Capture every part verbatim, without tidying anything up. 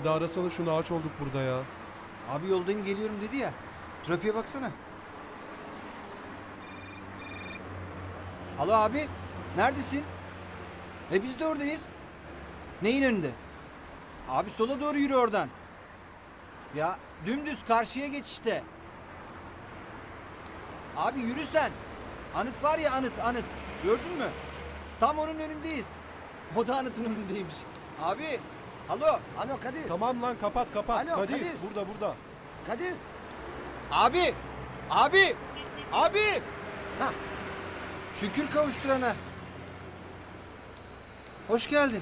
bir daha arasana şunu, ağaç olduk burada ya. Abi yoldayım geliyorum dedi ya. Trafiğe baksana. Alo abi. Neredesin? E biz de oradayız. Neyin önünde? Abi sola doğru yürü oradan. Ya dümdüz karşıya geç işte. Abi yürü sen. Anıt var ya, anıt anıt. Gördün mü? Tam onun önündeyiz. O da anıtın önündeymiş. Abi. Alo. Alo Kadir. Tamam lan, kapat kapat. Alo, Kadir, Kadir. burada burada. Kadir. Abi. Abi. Abi. Ha. Şükür kavuşturana. Hoş geldin.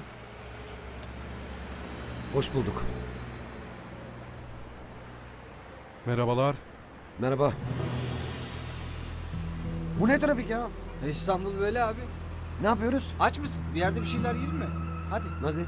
Hoş bulduk. Merhabalar. Merhaba. Bu ne trafik ya? E, İstanbul böyle abi. Ne yapıyoruz? Aç mısın? Bir yerde bir şeyler yiyelim mi? Hadi. Hadi.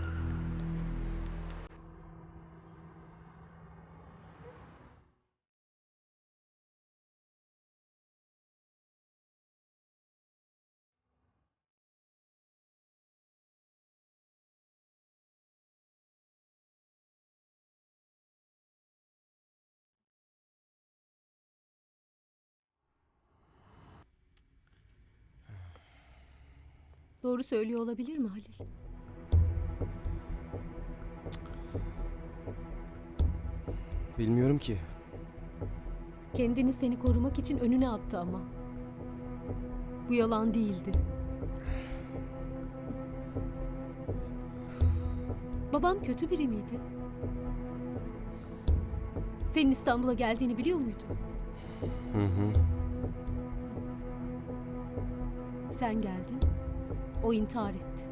Doğru söylüyor olabilir mi Halil? Bilmiyorum ki. Kendini seni korumak için önüne attı ama. Bu yalan değildi. Babam kötü biri miydi? Senin İstanbul'a geldiğini biliyor muydu? Hı hı. Sen geldin, o intihar etti.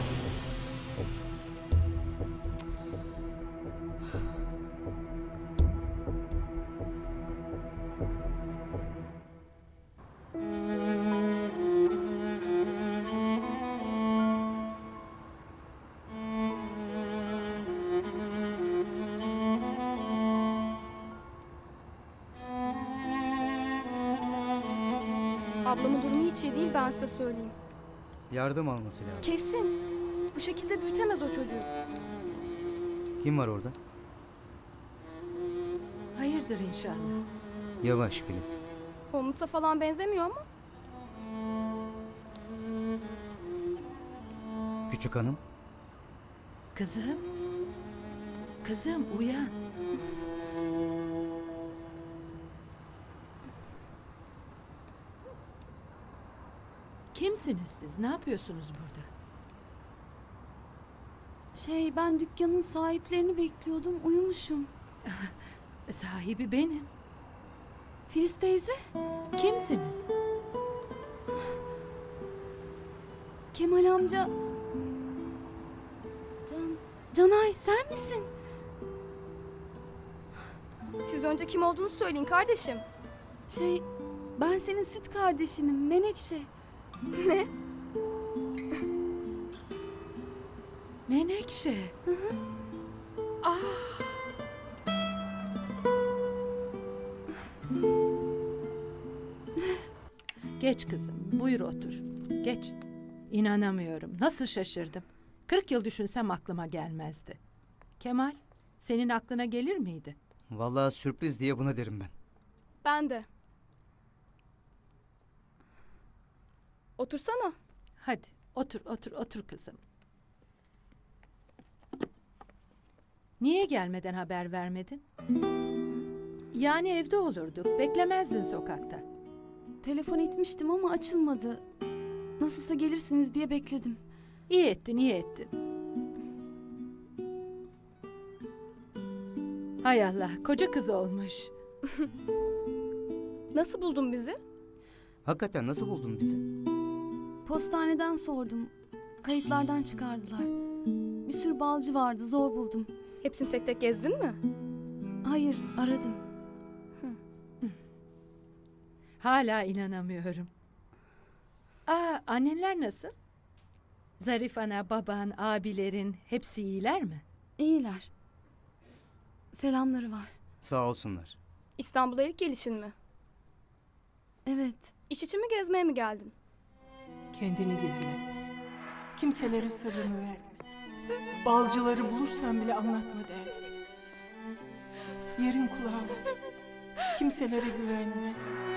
Ablamın durumu hiç iyi değil, ben size söyleyeyim. Yardım alması lazım. Kesin. Bu şekilde büyütemez o çocuğu. Kim var orada? Hayırdır inşallah. Yavaş Filiz. Holmes'a falan benzemiyor ama. Küçük hanım. Kızım. Kızım uyan. Kimsiniz siz? Ne yapıyorsunuz burada? Şey, ben dükkanın sahiplerini bekliyordum, uyumuşum. Sahibi benim. Filiz teyze, Kimsiniz? Kemal amca... Can, Canay sen misin? Siz önce kim olduğunu söyleyin kardeşim. Şey, ben senin süt kardeşinim, Menekşe. Ne? Menekşe. Ah. Geç kızım, buyur otur. Geç. İnanamıyorum, nasıl şaşırdım. Kırk yıl düşünsem aklıma gelmezdi. Kemal, senin aklına gelir miydi? Vallahi sürpriz diye buna derim ben. Ben de. Otursana. Hadi, otur, otur, otur kızım. Niye gelmeden haber vermedin? Yani evde olurduk, beklemezdin sokakta. Telefon etmiştim ama açılmadı. Nasılsa gelirsiniz diye bekledim. İyi ettin, iyi ettin. Hay Allah, koca kız olmuş. Nasıl buldun bizi? Hakikaten nasıl buldun bizi? Postaneden sordum. Kayıtlardan çıkardılar. Bir sürü balcı vardı, zor buldum. Hepsini tek tek gezdin mi? Hayır, aradım. Hala inanamıyorum. Aa, annenler nasıl? Zarif ana, baban, abilerin hepsi iyiler mi? İyiler. Selamları var. Sağ olsunlar. İstanbul'a ilk gelişin mi? Evet. İş için mi, gezmeye mi geldin? Kendini gizle. Kimselere sırrını verme. Balcıları bulursan bile anlatma derdi. Yerin kulağı. Kimselere güvenme.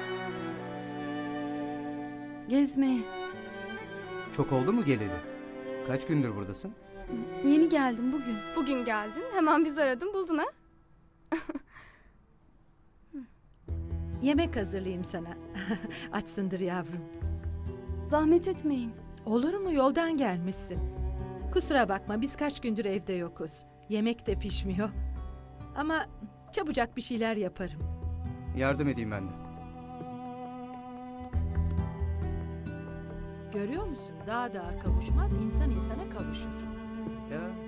Gezmeye. Çok oldu mu geleli? Kaç gündür buradasın? Yeni geldim bugün. Bugün geldin, hemen bizi aradın, buldun ha? Yemek hazırlayayım sana. Açsındır yavrum. Zahmet etmeyin. Olur mu, yoldan gelmişsin. Kusura bakma, biz kaç gündür evde yokuz. Yemek de pişmiyor. Ama çabucak bir şeyler yaparım. Yardım edeyim ben de. Görüyor musun? Dağ dağa kavuşmaz, insan insana kavuşur. Ya